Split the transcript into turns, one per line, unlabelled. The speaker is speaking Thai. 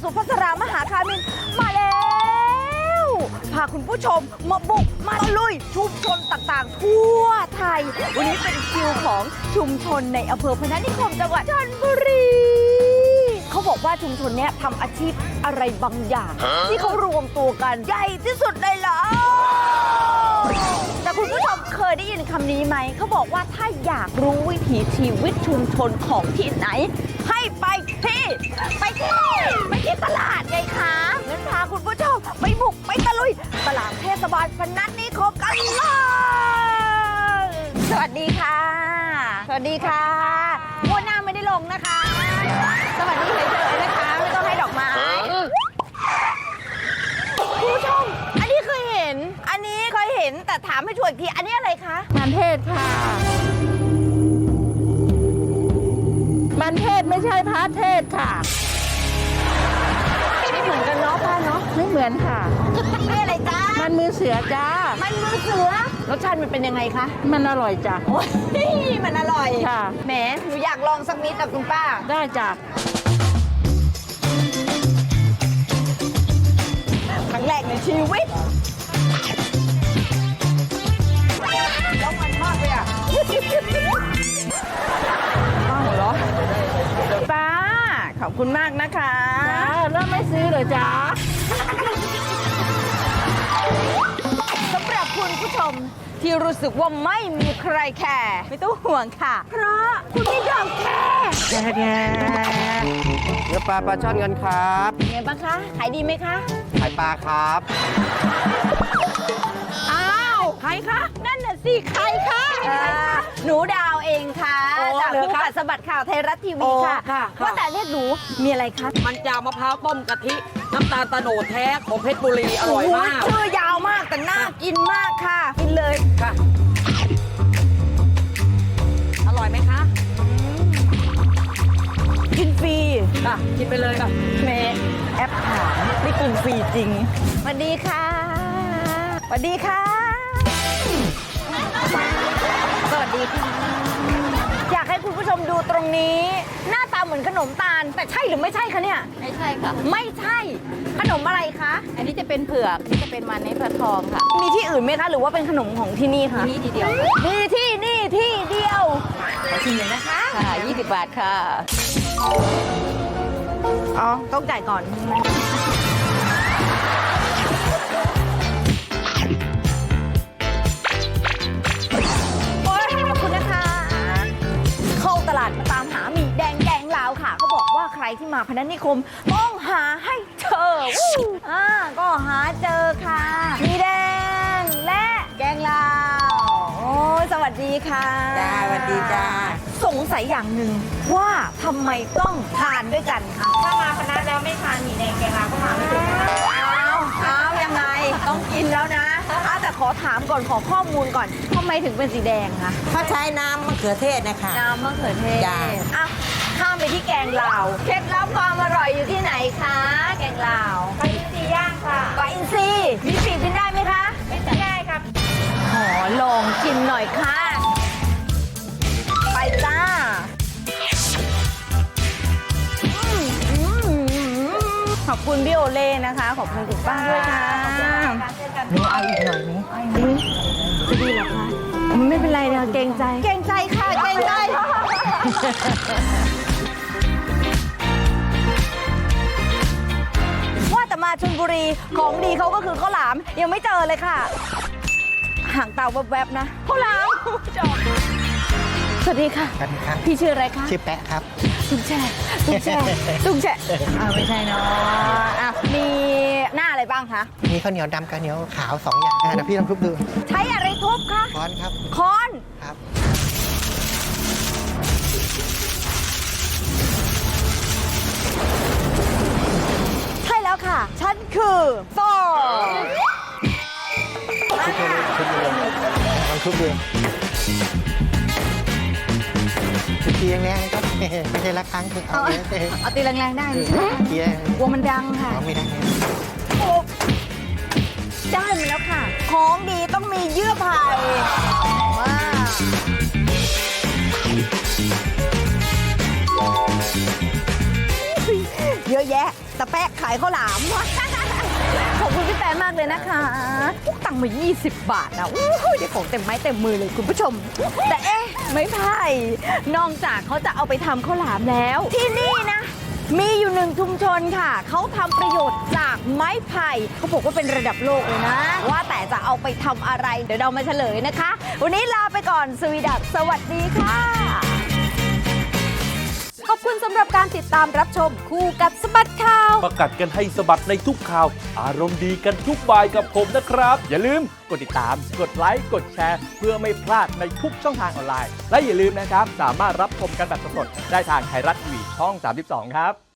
สุภัสรามหาคามินมาแล้วพาคุณผู้ชมมาบุกมาลุยชุมชนต่างๆทั่วไทยวันนี้เป็นคิวของชุมชนในอำเภอพนัสนิคมจังหวัดชลบุรีเขาบอกว่าชุมชนนี้ทำอาชีพอะไรบางอย่างที่เขารวมตัวกันใหญ่ที่สุดเลยเหรอแต่คุณผู้ชมเคยได้ยินคำนี้ไหมเขาบอกว่าถ้าอยากรู้วิถีชีวิตชุมชนของที่ไหนให้ไปที่ตลาดไงคะงั้นพาคุณผู้ชมไปบุกไปตะลุยตลาดเทศบาลพนัสนิคมกันเลยสวัสดีค่ะสวัสดีค่ะงวดหน้าไม่ได้ลงนะคะสวัสดีเฉยๆนะคะไม่ต้องให้ดอกไม้คุณผู้ชมอันนี้เคยเห็นแต่ถามให้ช่วยอีกทีอันนี้อะไรคะ
มันเทศค่ะ มันเทศไม่ใช่พระเทศค่ะ
ไม่เหมือนกันเนาะป้าเนาะ
ไม่เหมือนค่ะ
นี่อะไรจ้า
มันมือเสือจ้า
มันมือเสือรสชาติมันเป็นยังไงคะ
มันอร่อยจ้ะ
โอ้ยมันอร่อย
ค่ะ
แหมหนูอยากลองสักนิดแต่คุณป้า
ได้จ้ะ
ครั้งแรกในชีวิตแล้วมันมากเลยอ่ะป้าหัวเราะป้าขอบคุณมากนะคะ
จ้าแล้วไม่ซื้อเลยจ้า
สำหรับคุณผู้ชมที่รู้สึกว่าไม่มีใครแคร์ไม่ต้องห่วงค่ะ เพราะคุณไม่ยอมแคร์
แย่
เนื้อปลาช่อนกันครับ
ไงบ้างคะขายดีไหมคะ
ขายปลาครับ
อ้าวใครคะนั่นน่ะสิใครคะหนูดาวเองค่ะ
โอ้
จาก
เหรอ
คู่
คะ
กัดสะบัดข่าวไทยรัฐทีวีค่ะ
โอ้ค่ะ
ว่าแต่เรียกหนูมีอะไรคะ
มันจาวมะพร้าวต้มกะทิ น้ำตาลตะโนดแท้ของเพชรบุรีอร่อยมาก
โชื่อยาวมากแต่น่ากินมากค่ะ กินเลย
ค่ะ อร่อยไหมคะ
กินฟรี
ค่ะ กินไปเลยค่ะ
แม่แอปถามไม่กินฟรีจริงสวัสดีค่ะสวัสดีค่ะสวัสดีค่ะ อยากให้คุณผู้ชมดูตรงนี้ หน้าตาเหมือนขนมตาล แต่ใช่หรือไม่ใช่คะเนี่ย
ไม่ใช่ค่ะ
ไม่ใช่ ขนมอะไรคะ
อันนี้จะเป็นเผือกนี่จะเป็นมันในพระทองค่ะ
มีที่อื่นไหมคะ หรือว่าเป็นขนมของที่นี่คะ
นี่ทีเดียว
มีที่นี่ที่เดียวชิมเลยนะคะ
ค่ะ 20 บาทค่ะ
อ๋อต้องจ่ายก่อนโอ๊ยขอบคุณนะคะ เข้าตลาดมาตามหาหมี่แดงแกงลาวค่ะเขาบอกว่าใครที่มาพนัสนิคมต้องหาให้เจอก็หาเจอค่ะหมี่แดงและแกงลาวโอ้ยสวัสดีค่ะ
จ้าสวัสดีจ้า
สงสัยอย่างหนึ่งว่าทำไมต้องทานด้วยกันคะ
ถ้ามาคณะแล้วไม่ทานหมี่แดงแกงลาวก็มาไม่ถึง
เอายังไงต้องกินแล้วนะแต่ขอถามก่อนขอข้อมูลก่อนทำไมถึงเป็นสีแดงคะ
เขาใช้น้ำมะเขือเทศนะคะ
น้ำมะเขือเทศ
จ้ะ
อ่ะข้ามไปที่แกงลาวเคล็ดลับความอร่อยอยู่ที่ไหนคะแกงลาว
ปลาอินทรีย่างค่ะ
ปลาอินทรีมีปีกกินได้ไหมคะ
ไม่ได้ครับ
ขอลองกินหน่อยค่ะ ไปจ้าขอบคุณพี่โอเล่นะคะ ขอบคุณคุณป้าด้วยค่ะ
หนูเอาอีกหน่อยไหม
จะดีเหรอคะไม่เป็นไรนะเกรงใจ เกรงใจค่ะเกรงใจ ว่าแต่มาชลบุรีของดีเขาก็คือข้าวหลามยังไม่เจอเลยค่ะห่างตาแวบๆนะข้าวหลามจบสวัสดีค่ะ
สวัสดีครับ
พี่ชื่ออะไรคะ
ชื่อแปะครับ
ตุ้งแช่ตุ้งแช่ตุ้งแช่ไม่ใช่เนาะมีหน้าอะไรบ้างคะ
มีข้าวเหนียวดำกับข้าวเหนียวขาว2 อย่างนะพี่ลองทุบดู
ใช้อะไรทุบคะ
ค้อนครับ
ค้อน
ครับ
ใช่แล้วค่ะ ฉันคือฟอร์
ลองทุบดูทีแรงๆนะครับไม่ใช่ละครั้งคือเอาเลย
เอาตีแรงๆได้ไหม
ทีแรง
กลัวมันดังค่ะ
ไม่ได้
โอ้ได้มาแล้วค่ะ ของดีต้องมีเยื่อไผ่ว้าวเแยะ แต่แปะขายข้าวหลาม ขอบคุณพี่แป๊ะมากเลยนะคะตังค์มา 20 บาทนะอู้ยได้ของเต็มไม้เต็มมือเลยคุณผู้ชม แต่เอ๊ะไม่ไผ่นอกจากเขาจะเอาไปทำข้าวหลามแล้ว ที่นี่นะ มีอยู่หนึ่งชุมชนค่ะ เขาทำประโยชน์จากไม้ไผ่เขาบอกว่าเป็นระดับโลกเลยนะ ว่าแต่จะเอาไปทำอะไร เดี๋ยวเรามาเฉลยนะคะ วันนี้ลาไปก่อนสวีดัสสวัสดีค่ะ
ขอบคุณสำหรับการติดตามรับชมคู่กัดสะบัดข่าว
ประกัดกันให้สะบัดในทุกข่าว อารมณ์ดีกันทุกบ่ายกับผมนะครับ อย่าลืมกดติดตาม กดไลค์ กดแชร์ เพื่อไม่พลาดในทุกช่องทางออนไลน์ และอย่าลืมนะครับ สามารถรับชมกันแบบสดๆได้ทางไทยรัฐทีวีช่อง 32 ครับ